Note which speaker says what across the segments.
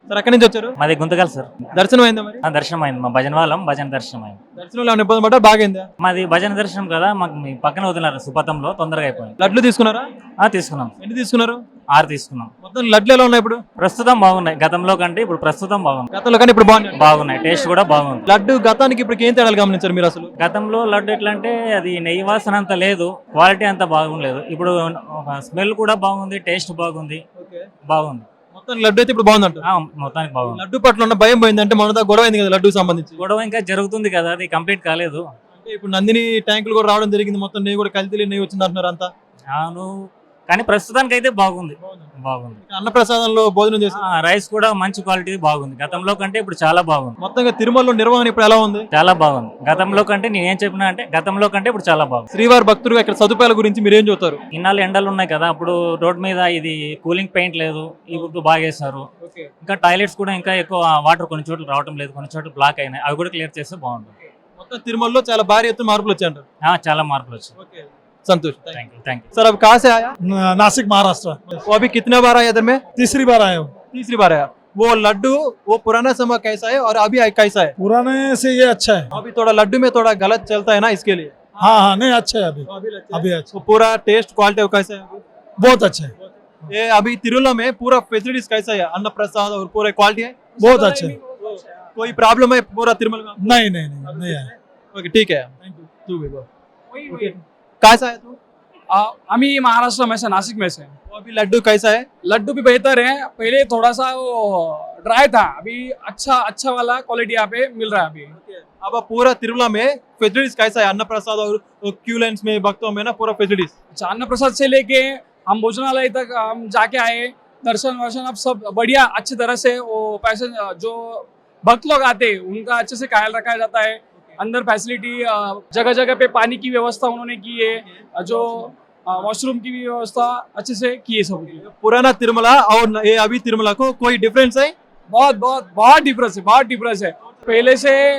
Speaker 1: Sir ఎక్కడి నుంచి వచ్చారు?
Speaker 2: మాది గుంతకల్ సార్.
Speaker 1: దర్శనం అయిందా మరి?
Speaker 2: దర్శనం అయింది, మా భజన వాళ్ళం, భజన దర్శనం అయింది.
Speaker 1: దర్శనంలో ఏమైనా ఇబ్బంది పడ్డా బాగైందా?
Speaker 2: మాది భజన దర్శనం కదా, మాకు మీ పక్కన వదిలినారు సుపథంలో, తొందరగా అయిపోయింది.
Speaker 1: లడ్లు తీసుకున్నారా?
Speaker 2: తీసుకున్నాం.
Speaker 1: ఎన్ని తీసుకున్నారు?
Speaker 2: 6 తీసుకున్నాం.
Speaker 1: మొత్తం లడ్లు ఎలా ఉన్నాయి ఇప్పుడు?
Speaker 2: ప్రస్తుతం బాగున్నాయి, గతంలో కంటే ఇప్పుడు ప్రస్తుతం బాగుంది.
Speaker 1: గతంలో కానీ ఇప్పుడు
Speaker 2: బాగున్నాయి, టేస్ట్ కూడా బాగుంది.
Speaker 1: లడ్డు గతానికి ఇప్పుడు ఏం తేడాలు గమనించారు మీరు అసలు?
Speaker 2: గతంలో లడ్డు ఎట్లా అంటే అది నెయ్యి వాసన అంత లేదు, క్వాలిటీ అంత బాగుండలేదు. ఇప్పుడు స్మెల్ కూడా బాగుంది, టేస్ట్ బాగుంది, బాగుంది.
Speaker 1: మొత్తం లడ్డు అయితే ఇప్పుడు బాగుందంట.
Speaker 2: మొత్తానికి బాగుంది.
Speaker 1: లడ్డు పట్ల ఉన్న భయం పోయిందంటే మన గొడవ అయింది కదా లడ్డు సంబంధించి.
Speaker 2: గొడవ ఇంకా జరుగుతుంది కదా, అది కంప్లీట్ కాలేదు.
Speaker 1: అంటే ఇప్పుడు నందిని ట్యాంకులు కూడా రావడం జరిగింది, మొత్తం నెయ్యి కూడా కల్తీ నెయ్యి వచ్చింది అంటున్నారు అంతా.
Speaker 2: అవును, కానీ ప్రస్తుతానికి అయితే బాగుంది.
Speaker 1: అన్నప్రసాదంలో భోజనం చేసి
Speaker 2: రైస్ కూడా మంచి క్వాలిటీ బాగుంది, గతంలో కంటే ఇప్పుడు చాలా బాగుంది.
Speaker 1: మొత్తంగా తిరుమలలో నిర్వహణ ఇప్పుడు ఎలా ఉంది?
Speaker 2: చాలా బాగుంది. గతంలో కంటే నేనేం చెప్పినా అంటే గతంలో కంటే ఇప్పుడు చాలా బాగుంది.
Speaker 1: శ్రీవారి భక్తులుగా ఇక్కడ సదుపాయాల గురించి మీరు ఏం చెప్తారు?
Speaker 2: ఇన్నాళ్ళు ఎండలు ఉన్నాయి కదా, అప్పుడు రోడ్ మీద ఇది కూలింగ్ పెయింట్ లేదు, ఇప్పుడు బాగా వేస్తారు. ఇంకా టాయిలెట్స్ కూడా ఇంకా ఎక్కువ వాటర్ కొన్ని చోట్ల రావడం లేదు, కొన్ని చోట్ల బ్లాక్ అయినాయి, అవి కూడా క్లియర్ చేస్తే బాగుంటుంది.
Speaker 1: మొత్తం తిరుమలలో చాలా భారీ ఎత్తున మార్పులు వచ్చాయంటారు.
Speaker 2: చాలా మార్పులు వచ్చాయి.
Speaker 1: संतोष,
Speaker 2: थैंक यू।
Speaker 1: सर अब कहाँ से आया?
Speaker 3: नासिक महाराष्ट्र।
Speaker 1: वो अभी कितने बार आया इधर में?
Speaker 3: तीसरी बार आया हूँ।
Speaker 1: तीसरी बार आया। वो लड्डू वो पुराना समय कैसा है और अभी कैसा है?
Speaker 3: पुराने से ये अच्छा है।
Speaker 1: अभी थोड़ा लड्डू में थोड़ा गलत चलता है ना, इसके लिए।
Speaker 3: हाँ हाँ, नहीं अच्छा है अभी। अभी अच्छा।
Speaker 1: तो पूरा टेस्ट क्वालिटी कैसा है?
Speaker 3: बहुत अच्छा है।
Speaker 1: ये अभी तिरुला में पूरा फैसिलिटीज कैसा है? अन्न प्रसाद और पूरा क्वालिटी है?
Speaker 3: बहुत अच्छा है।
Speaker 1: कोई प्रॉब्लम है पूरा तिरुमल में?
Speaker 3: नहीं नहीं नहीं है।
Speaker 1: ओके ठीक है, तू भी बोल। कैसा है तू?
Speaker 4: अभी महाराष्ट्र में से, नासिक में से।
Speaker 1: अभी लड्डू कैसा है?
Speaker 4: लड्डू भी बेहतर है, पहले थोड़ा सा वो ड्राई था, अभी अच्छा वाला क्वालिटी यहाँ पे मिल रहा है अभी।
Speaker 1: अब पूरा तिरुमला में फैसिलिटीज कैसा है? अन्न प्रसाद और क्यू लाइन्स में भक्तों में ना पूरा फैसिलिटीज।
Speaker 4: अच्छा, अन्न प्रसाद से लेके हम भोजनालय तक हम जाके आए, दर्शन वर्शन अब सब बढ़िया अच्छी तरह से, वो पैसे जो भक्त लोग आते हैं उनका अच्छे से ख्याल रखा जाता है। अंदर फैसिलिटी जगह जगह पे पानी की व्यवस्था उन्होंने की है, जो वॉशरूम की भी व्यवस्था अच्छे से की है सब।
Speaker 1: पुराना तिरुमला और ये अभी तिरुमला को कोई डिफरेंस है?
Speaker 4: बहुत डिफरेंस है, बहुत डिफरेंस है। पहले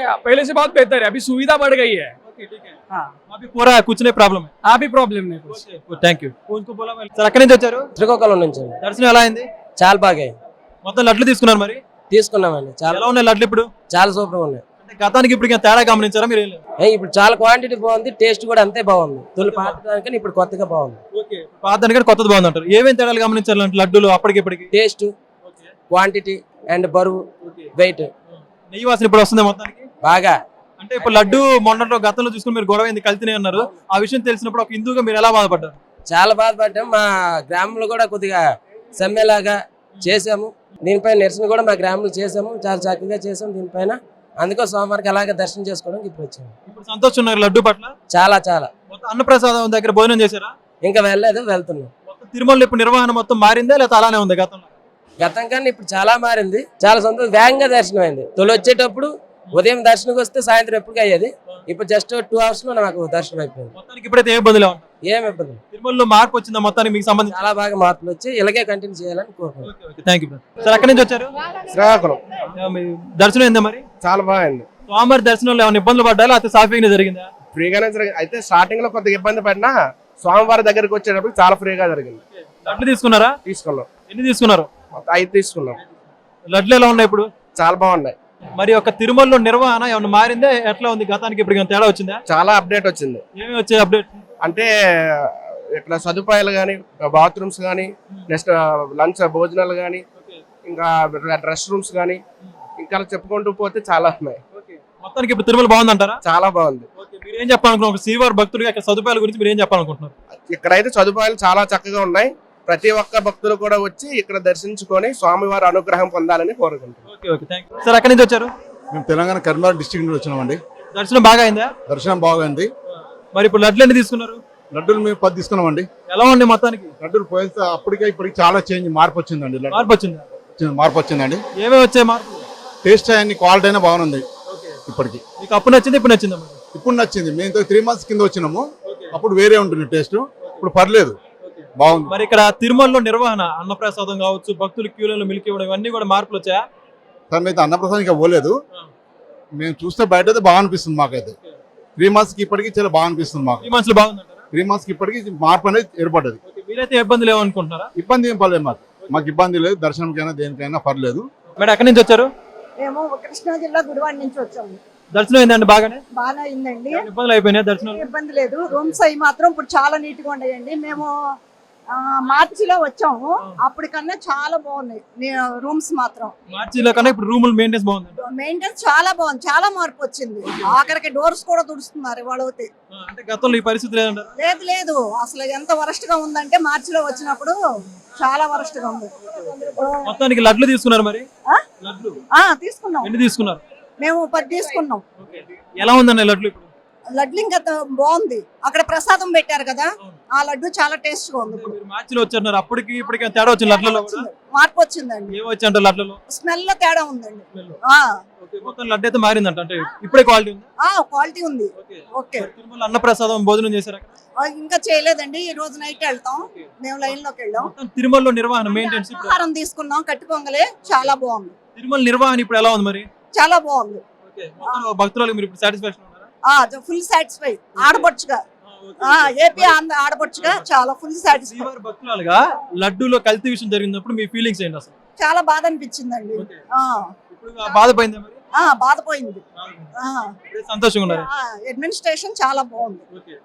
Speaker 4: से बहुत बेहतर है, अभी सुविधा बढ़ गई है। हाँ,
Speaker 1: अभी पूरा कुछ नहीं प्रॉब्लम है?
Speaker 4: अभी प्रॉब्लम नहीं कुछ।
Speaker 1: Thank you. సార్ ఎక్కడి నుంచి వచ్చారు?
Speaker 5: శ్రీకాకుళం నుంచి।
Speaker 1: దర్శనం ఎలా అయింది?
Speaker 5: చాలా బాగా
Speaker 1: మొత్తం లడ్లు తీసుకున్నారు మరి?
Speaker 5: తీసుకున్నామండి। చాలా
Speaker 1: ఎలా ఉన్నాయి లడ్లు ఇప్పుడు?
Speaker 5: చాలా సూపర్ ఉన్నాయి।
Speaker 1: అంటే గతానికి ఇప్పుడు తేడా గమనించారా మీరు?
Speaker 5: ఇప్పుడు చాలా క్వాంటిటీ బాగుంది, టేస్ట్ కూడా అంతే బాగుంది। తొలి పాతదానికన్నా ఇప్పుడు కొత్తగా బాగుంది।
Speaker 1: పాతదానికన్నా కొత్తది బాగుంది అంటారు. ఏమేం తేడాలు గమనించారు లడ్డూలు అప్పటికి ఇప్పటికి?
Speaker 5: టేస్ట్, క్వాంటిటీ అండ్ బరువు, వెయిట్।
Speaker 1: నెయ్యి వాసన ఇప్పుడు వస్తుంది మొత్తానికి
Speaker 5: బాగా।
Speaker 1: అంటే ఇప్పుడు లడ్డు మొన్నట్లో గతంలో చూసుకుని మీరు గొడవ అయింది, కల్తీనే అన్నారు. ఆ విషయం తెలిసినప్పుడు ఒక హిందూగా మీరు ఎలా బాధపడ్డారు?
Speaker 5: చాలా బాధపడ్డాం। మా గ్రామంలో కూడా కొద్దిగా సమ్మెలాగా చేసాము, దీనిపైన నిరసన కూడా మా గ్రామంలో చేసాము, చాలా చక్కగా చేసాము దీనిపైన। అందుకో సోమవారికి అలాగే దర్శనం చేసుకోవడానికి ఇప్పుడు వచ్చాము।
Speaker 1: ఇప్పుడు సంతోషం ఉన్నారు లడ్డు పట్ల?
Speaker 5: చాలా చాలా।
Speaker 1: అన్నప్రసాదం దగ్గర భోజనం చేశారా?
Speaker 5: ఇంకా వెళ్ళలేదు, వెళ్తున్నాం।
Speaker 1: తిరుమలలో ఇప్పుడు నిర్వహణ మొత్తం మారిందా లేదా అలానే ఉంది గతంలో?
Speaker 5: గతం కన్నా ఇప్పుడు చాలా మారింది, చాలా సంతోషం। వేగంగా దర్శనం అయింది। తొలి వచ్చేటప్పుడు ఉదయం దర్శనకు వస్తే సాయంత్రం ఎప్పటికీ అయ్యేది, ఇప్పుడు జస్ట్ 2 hours లో నాకు దర్శనం అయిపోయింది।
Speaker 1: మొత్తానికి ఇప్పుడైతే ఏ ఇబ్బందులు?
Speaker 5: ఏం ఇబ్బంది?
Speaker 1: తిరుమలలో మార్పు వచ్చిందా మొత్తానికి మీకు సంబంధించి?
Speaker 5: చాలా బాగా మార్పులు వచ్చి ఇలాగే కంటిన్యూ చేయాలని కోరుకుంటున్నాను।
Speaker 1: Thank you sir. ఎక్కడి నుంచి వచ్చారు?
Speaker 3: శ్రీకాకుళం।
Speaker 1: దర్శనం ఏందా మరి?
Speaker 3: చాలా బాగుంది।
Speaker 1: స్వామివారి దర్శనంలో ఏమైనా ఇబ్బందులు పడ్డా లేకపోతే సాఫీగా జరిగిందా?
Speaker 3: ఫ్రీగానే జరిగింది। అయితే స్టార్టింగ్ లో కొద్దిగా ఇబ్బంది పడినా స్వామివారి దగ్గరికి వచ్చేటప్పుడు చాలా ఫ్రీగా జరిగింది।
Speaker 1: లడ్లు తీసుకున్నారా?
Speaker 3: తీసుకున్నాం।
Speaker 1: ఎన్ని తీసుకున్నారు?
Speaker 3: 5 తీసుకున్నాం।
Speaker 1: లడ్లు ఎలా ఉన్నాయి ఇప్పుడు?
Speaker 3: చాలా బాగున్నాయి।
Speaker 1: మరి ఒక తిరుమలలో నిర్వహణ ఏమైనా మారిందా? ఎట్లా ఉంది గతానికి ఇప్పుడు తేడా వచ్చిందా?
Speaker 3: చాలా అప్డేట్ వచ్చింది।
Speaker 1: ఏమి వచ్చాయి అప్డేట్?
Speaker 3: అంటే ఇక్కడ సదుపాయాలు కానీ, బాత్రూమ్స్ కానీ, నెక్స్ట్ లంచ్ భోజనాలు కానీ, ఇంకా రెస్ట్ రూమ్స్ కానీ, ఇంకా చెప్పుకుంటూ పోతే చాలా ఉన్నాయి।
Speaker 1: మొత్తానికి ఇప్పుడు తిరుమల బాగుందంటారా?
Speaker 3: చాలా బాగుంది।
Speaker 1: మీరు ఏం చెప్పాలనుకుంటున్నారు? ఒక శ్రీవారి భక్తుడిగా ఇక్కడ సదుపాయాల గురించి మీరు ఏం చెప్పాలనుకుంటున్నారు?
Speaker 3: ఇక్కడైతే సదుపాయాలు చాలా చక్కగా ఉన్నాయి, ప్రతి ఒక్క భక్తులు కూడా వచ్చి ఇక్కడ దర్శించుకొని స్వామివారి అనుగ్రహం పొందాలని కోరుకుంటున్నాం।
Speaker 1: సార్ ఎక్కడి నుంచి వచ్చారు?
Speaker 6: మేము తెలంగాణ కరీంనగర్ డిస్ట్రిక్ట్ నుంచి వచ్చినామండి।
Speaker 1: దర్శనం బాగా అయిందా?
Speaker 6: దర్శనం బాగుంది।
Speaker 1: మరి ఇప్పుడు లడ్లు ఎన్ని తీసుకున్నారు?
Speaker 6: లడ్డూలు మేము 10 తీసుకున్నామండి।
Speaker 1: ఎలా ఉంది మొత్తానికి?
Speaker 6: లడ్డూలు పోయితే అప్పటికే ఇప్పటికి చాలా చేంజ్, మార్పు వచ్చిందండి। మార్పు వచ్చిందండి।
Speaker 1: ఏమేమి వచ్చాయి మార్పు?
Speaker 6: టేస్ట్ అయ్యి క్వాలిటీ అయినా బాగుంది ఇప్పటికి।
Speaker 1: మీకు అప్పుడు నచ్చింది, ఇప్పుడు నచ్చిందా?
Speaker 6: ఇప్పుడు నచ్చింది। మేము 3 months కింద వచ్చినాము, అప్పుడు వేరే ఉంటుంది టేస్ట్, ఇప్పుడు పర్లేదు, బాగుంది।
Speaker 1: మరి ఇక్కడ తిరుమలలో నిర్వహణ, అన్నప్రసాదం కావచ్చు, భక్తులు క్యూలలో మిల్క్ ఇవ్వడం, ఇవన్నీ కూడా మార్పులు వచ్చాయా?
Speaker 6: సార్ మేము అన్నప్రసాదం ఇంకా పోలేదు, మేము చూస్తే బయట అయితే బాగా అనిపిస్తుంది మాకైతే। 3 months కి ఇప్పటికి చాలా బాగా అనిపిస్తుంది మాకు।
Speaker 1: 3 months లో బాగుందంటారా?
Speaker 6: 3 months కి ఇప్పటికి మార్పు అనేది ఏర్పడ్డది।
Speaker 1: మీరైతే ఇబ్బంది లేవనుకుంటున్నారా?
Speaker 6: ఇబ్బంది ఏం పర్లేదు మాకు ఇబ్బంది లేదు, దర్శనంకైనా దేనికైనా పర్లేదు।
Speaker 1: మేడం ఎక్కడి నుంచి వచ్చారు?
Speaker 7: మేము కృష్ణా జిల్లా గుడివాడ నుంచి వచ్చాము.
Speaker 1: దర్శనం అయిందండి బాగానే?
Speaker 7: బాగా అయిందండి,
Speaker 1: ఏమైనా ఇబ్బందులు అయిపోయినాయి దర్శనం?
Speaker 7: ఇబ్బంది లేదు. రూమ్స్ అవి మాత్రం ఇప్పుడు చాలా నీట్ గా ఉన్నాయండి. మేము మార్చిలో వచ్చాము, అప్పటికన్నా చాలా బాగున్నాయి రూమ్స్ మాత్రం.
Speaker 1: మార్చిలో కన్నా ఇప్పుడు రూములు మెయింటెన్స్ బాగుంది.
Speaker 7: మెయింటెనెన్స్ చాలా బాగుంది, చాలా మార్పు వచ్చింది. ఆఖరికి డోర్స్ కూడా తుడుస్తున్నారు ఇవాళ అయితే.
Speaker 1: అంటే గతంలో ఈ పరిస్థితి లేదంటారు?
Speaker 7: లేదు లేదు, అసలు ఎంత వరస్ట్ గా ఉందంటే మార్చిలో వచ్చినప్పుడు చాలా వరస్ట్ గా ఉంది.
Speaker 1: మొత్తానికి లడ్లు తీసుకున్నారు మరి? లడ్లు
Speaker 7: తీసుకున్నాం.
Speaker 1: ఎన్ని తీసుకున్నారు?
Speaker 7: మేము 10 తీసుకున్నాం.
Speaker 1: ఎలా ఉందండి లడ్లు ఇప్పుడు?
Speaker 7: లడ్లు ఇంకా బాగుంది. అక్కడ ప్రసాదం పెట్టారు కదా, ఆ లడ్డు చాలా టేస్ట్ గా ఉంది. ఇప్పుడు
Speaker 1: మీరు మార్చిలో వచ్చారు, అప్పటికి ఇప్పటికి తేడా వచ్చింది లడ్లలో కూడా?
Speaker 7: మార్పు వచ్చిందండి.
Speaker 1: ఏం వచ్చి అంటే లడ్లలో
Speaker 7: స్మెల్ లో తేడా ఉందండి.
Speaker 1: మొత్తం లడ్డు అయితే మారిందంట, అంటే ఇప్పుడే క్వాలిటీ ఉంది.
Speaker 7: క్వాలిటీ ఉంది. ఓకే.
Speaker 1: తిరుమల అన్నప్రసాదం భోజనం చేశారు?
Speaker 7: ఇంకా చేయలేదండి, ఈ రోజు నైట్ వెళ్తాం. మేము లైన్ లోకి వెళ్ళాం.
Speaker 1: తిరుమలలో నిర్వహణ మెయింటెనెన్స్
Speaker 7: ఆహారం తీసుకున్నాం, కట్టు పొంగలే చాలా బాగుంది.
Speaker 1: తిరుమల నిర్వహణ ఇప్పుడు ఎలా ఉంది మరి?
Speaker 7: చాలా బాగుంది.
Speaker 1: భక్తులకు మీరు ఇప్పుడు సాటిస్ఫాక్షన్ ఉన్నారా?
Speaker 7: Full satisfy. ఆడపడుచుగా ఏపీ ఆడపడుచుగా చాలా ఫుల్ సాటిస్ఫై.
Speaker 1: శ్రీవారి భక్తురాలుగా లడ్డూలో కల్తీ విషయం జరిగినప్పుడు మీ ఫీలింగ్స్ ఏంటి అసలు?
Speaker 7: చాలా బాధ అనిపించిందండి.
Speaker 1: ఇప్పుడు బాధపోయిందా మరి?
Speaker 7: బాధపోయింది.
Speaker 1: ఇప్పుడే సంతోషంగా ఉన్నారు?
Speaker 7: అడ్మినిస్ట్రేషన్ చాలా బాగుంది.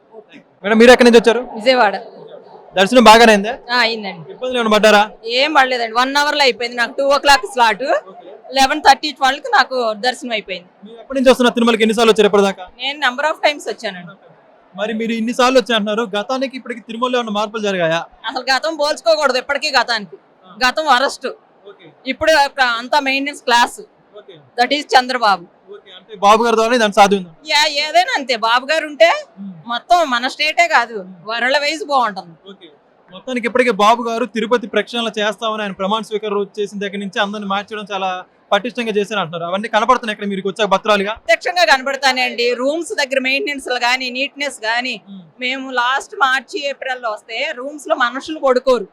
Speaker 1: మేడం మీరు ఎక్కడి నుంచి వచ్చారు?
Speaker 8: విజయవాడ.
Speaker 1: దర్శనం బాగానే అయిందా?
Speaker 8: అయిందండి.
Speaker 1: ఇబ్బందులు ఏమైనా పడ్డారా?
Speaker 8: ఏం పడలేదండి, 1 అవర్ లో అయిపోయింది. నాకు 2 o'clock స్లాట్, 11:30 12కి నాకు దర్శనం అయిపోయింది.
Speaker 1: మీరు ఎప్పటి నుంచి వస్తున్నారు తిరుమలకి? ఎన్నిసార్లు వచ్చారు ఇప్పటిదాకా?
Speaker 8: నేను నెంబర్ ఆఫ్ టైమ్స్ వచ్చానండి.
Speaker 1: మరి మీరు ఇన్ని సార్లు వచ్చారంటున్నారు, గతానికి ఇప్పటికి తిరుమలలో ఏమైనా మార్పులు జరిగాయా?
Speaker 8: అసలు గతం పోల్చుకోకూడదు ఎప్పటికీ గతానికి. గతం వరస్ట్, ఇప్పుడు అంతా maintenance class. That is Chandrababu.
Speaker 1: అంటే బాబు గారి ద్వారా దాని సాధ్యం?
Speaker 8: ఏదైనా అంతే, బాబు గారు ఉంటే మొత్తం మన స్టేటే కాదు వరల్డ్ వైజ్ బాగుంటుంది.
Speaker 1: మొత్తానికి ఇప్పటికే బాబు గారు తిరుపతి ప్రక్షాళన చేస్తామని ఆయన ప్రమాణ స్వీకారం చేసిన దగ్గర నుంచి అందరిని మార్చడం చాలా పటిష్టంగా చేశారు అంటున్నారు. అవన్నీ కనపడుతున్నాయి ఇక్కడ మీరు వచ్చాక భక్తురాలుగా?
Speaker 8: ప్రత్యక్షంగా కనబడతానండి. రూమ్స్ దగ్గర మెయింటెనెన్స్ గానీ నీట్నెస్ గానీ. మేము లాస్ట్ మార్చి ఏప్రిల్ లో వస్తే రూమ్స్ లో మనుషులు పడుకోరు.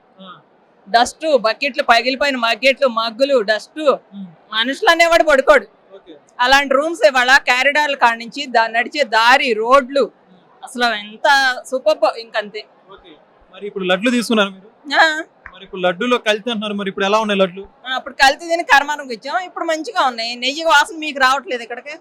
Speaker 8: డస్ట్, బకెట్లు, పగిలిపోయిన బకెట్లు, మగ్గులు, డస్ట్, మనుషులు అనేవాడు పడుకోడు. అలాంటి రూమ్స్ ఇవాళ క్యారిడార్ల కాడ నుంచి నడిచే దారి, రోడ్లు అసలు ఎంత సూపర్. ఇంకంతే.
Speaker 1: మరి ఇప్పుడు లడ్లు తీసుకున్నారు మీరు? మరి ఇప్పుడు లడ్డూలో కల్తీ అంటున్నారు, మరి ఇప్పుడు ఎలా ఉన్నాయి లడ్లు?
Speaker 8: అప్పుడు కల్తీ తిని కర్మానికి వచ్చాం, ఇప్పుడు మంచిగా ఉన్నాయి. నెయ్యి వాసన మీకు రావట్లేదు ఇక్కడికి?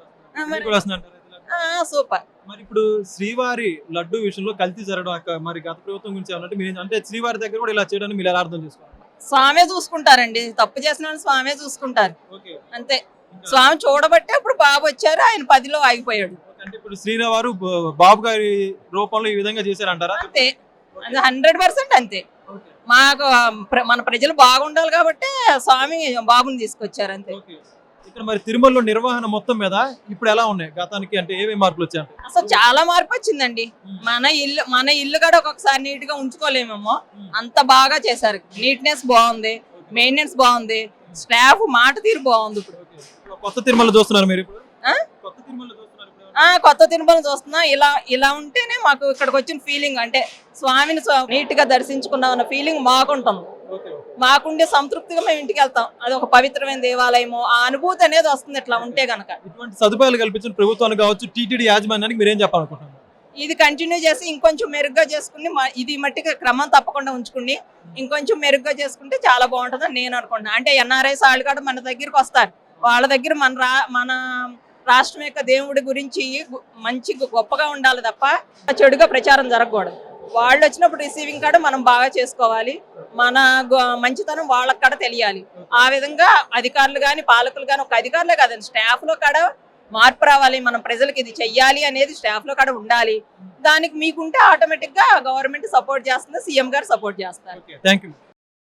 Speaker 8: సూపర్.
Speaker 1: మరి ఇప్పుడు శ్రీవారి లడ్డు విషయంలో కల్తీ జరగడం మరి గత ప్రభుత్వం గురించి ఏమన్నట్టు మీరు అంటే శ్రీవారి దగ్గర కూడా ఇలా చేయడానికి మీరు ఎలా అర్థం చేసుకోవాలి?
Speaker 8: స్వామే చూసుకుంటారండి, తప్పు చేసిన వాళ్ళు స్వామే చూసుకుంటారు అంతే. స్వామి చూడబట్టే ఇప్పుడు బాబు వచ్చారు, ఆయన 10లో ఆగిపోయాడు.
Speaker 1: అంటే ఇప్పుడు శ్రీవారు బాబు గారి రూపంలో ఈ విధంగా చేశారంటారా?
Speaker 8: అంతే, 100% అంతే. మాకు మన ప్రజలు బాగుండాలి కాబట్టి స్వామి బాబుని తీసుకొచ్చారు అంతే.
Speaker 1: ఇక్కడ మరి తిరుమలలో నిర్వహణ మొత్తం మీద ఇప్పుడు ఎలా ఉన్నాయి గతానికి, అంటే ఏమేమి మార్పులు వచ్చాయి?
Speaker 8: అసలు చాలా మార్పు వచ్చిందండి. మన ఇల్లు కూడా ఒక్కొక్కసారి నీట్ గా ఉంచుకోలేమేమో, అంత బాగా చేశారు. నీట్నెస్ బాగుంది, మెయింటెనెన్స్ బాగుంది, స్టాఫ్ మాట తీరు బాగుంది. ఇప్పుడు
Speaker 1: కొత్త తిరుమల చూస్తున్నారు మీరు? ఇప్పుడు
Speaker 8: కొత్త తిరుమల చూస్తున్నా. ఇలా ఉంటేనే మాకు ఇక్కడికి వచ్చిన ఫీలింగ్, అంటే స్వామిని నీట్ గా దర్శించుకున్నాం అన్న ఫీలింగ్ మాకుంటుంది. మాకుండే సంతృప్తిగా మేము ఇంటికి వెళ్తాం. అది ఒక పవిత్రమైన దేవాలయము, ఆ అనుభూతి అనేది వస్తుంది ఇట్లా ఉంటే గనక.
Speaker 1: ఇటువంటి సదుపాయాలు కల్పించిన ప్రభుత్వానికి కావచ్చు, టీటీడీ యాజమాన్యానికి మీరేం చెప్పాలనుకుంటున్నారు?
Speaker 8: ఇది కంటిన్యూ చేసి ఇంకొంచెం మెరుగ్గా చేసుకుని, ఇది మట్టిగా క్రమం తప్పకుండా ఉంచుకుని ఇంకొంచెం మెరుగ్గా చేసుకుంటే చాలా బాగుంటుందని నేను అనుకుంటున్నాను. అంటే ఎన్ఆర్ఐస్ వాళ్ళు కూడా మన దగ్గరికి వస్తారు, వాళ్ళ దగ్గర మన రాష్ట్రం యొక్క దేవుడి గురించి మంచి గొప్పగా ఉండాలి తప్ప చెడుగా ప్రచారం జరగకూడదు. వాళ్ళు వచ్చినప్పుడు రిసీవింగ్ కాడ మనం బాగా చేసుకోవాలి, మన మంచితనం వాళ్ళకి కాడ తెలియాలి. ఆ విధంగా అధికారులు కానీ పాలకులు కానీ, ఒక అధికారులే కాదండి, స్టాఫ్ లో కాడ మార్పు రావాలి. మనం ప్రజలకు ఇది చెయ్యాలి అనేది స్టాఫ్ లో కాడ ఉండాలి. దానికి మీకుంటే ఆటోమేటిక్ గా గవర్నమెంట్ సపోర్ట్ చేస్తుంది, సీఎం గారు సపోర్ట్ చేస్తారు.
Speaker 1: థాంక్యూ.